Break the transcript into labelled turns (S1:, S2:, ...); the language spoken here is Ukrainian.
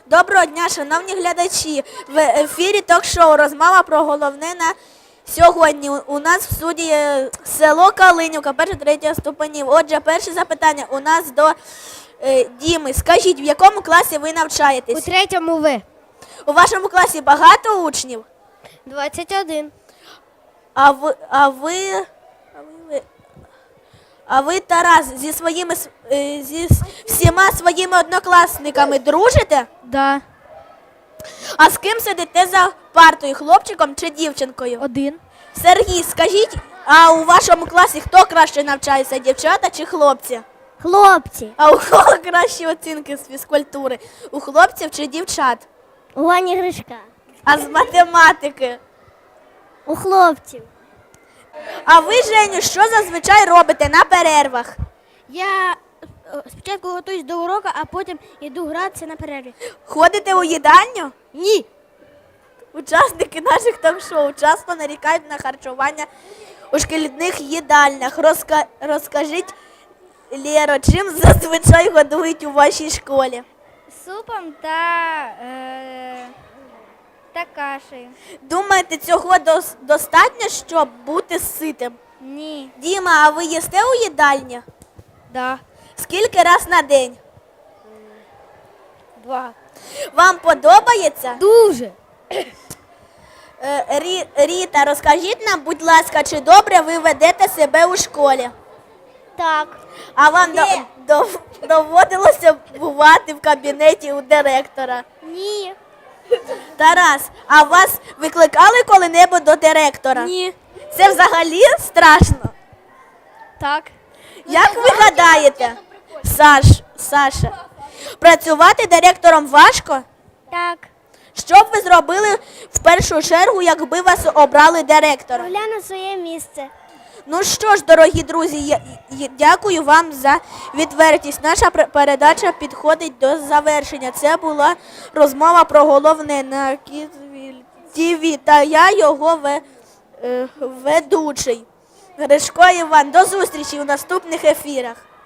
S1: Доброго дня, шановні глядачі. В ефірі ток-шоу «Розмова про головне на сьогодні». У нас в студії село Калинівка, 1-3 ступенів. Отже, перше запитання у нас до Діми. Скажіть, в якому класі ви навчаєтесь?
S2: У 3-му В.
S1: У вашому класі багато учнів?
S2: 21.
S1: А ви, Тарас, зі всіма своїми однокласниками дружите?
S2: Да.
S1: А з ким сидите за партою, хлопчиком чи дівчинкою?
S2: 1.
S1: Сергій, скажіть, а у вашому класі хто краще навчається, дівчата чи хлопці?
S2: Хлопці.
S1: А у кого кращі оцінки з фізкультури? У хлопців чи дівчат?
S2: У Вані Гришка.
S1: А з математики?
S2: У хлопців.
S1: А ви, Женю, що зазвичай робите на перервах?
S2: Я спочатку готуюсь до уроку, а потім йду гратися на перерві.
S1: Ходите у їдальню?
S2: Ні.
S1: Учасники наших ток-шоу часто нарікають на харчування у шкільних їдальнях. Розкажіть, Лєро, чим зазвичай годують у вашій школі?
S2: Супом та кашею.
S1: Думаєте, цього достатньо, щоб бути ситим?
S2: Ні.
S1: Діма, а ви їсте у їдальні?
S2: Да.
S1: Скільки раз на день?
S2: 2.
S1: Вам подобається?
S2: Дуже.
S1: Ріта, розкажіть нам, будь ласка, чи добре ви ведете себе у школі?
S2: Так.
S1: А вам доводилося бувати в кабінеті у директора?
S2: Ні.
S1: Тарас, а вас викликали коли-небудь до директора?
S2: Ні.
S1: Це взагалі страшно.
S2: Так.
S1: Як ви гадаєте, Саша, працювати директором важко?
S2: Так.
S1: Що б ви зробили в першу чергу, якби вас обрали директором?
S2: Огляну своє місце.
S1: Ну що ж, дорогі друзі, дякую вам за відвертість. Наша передача підходить до завершення. Це була розмова про головне на Кізвіль ТВ, та я його ведучий. Гришко Іван. До зустрічі у наступних ефірах.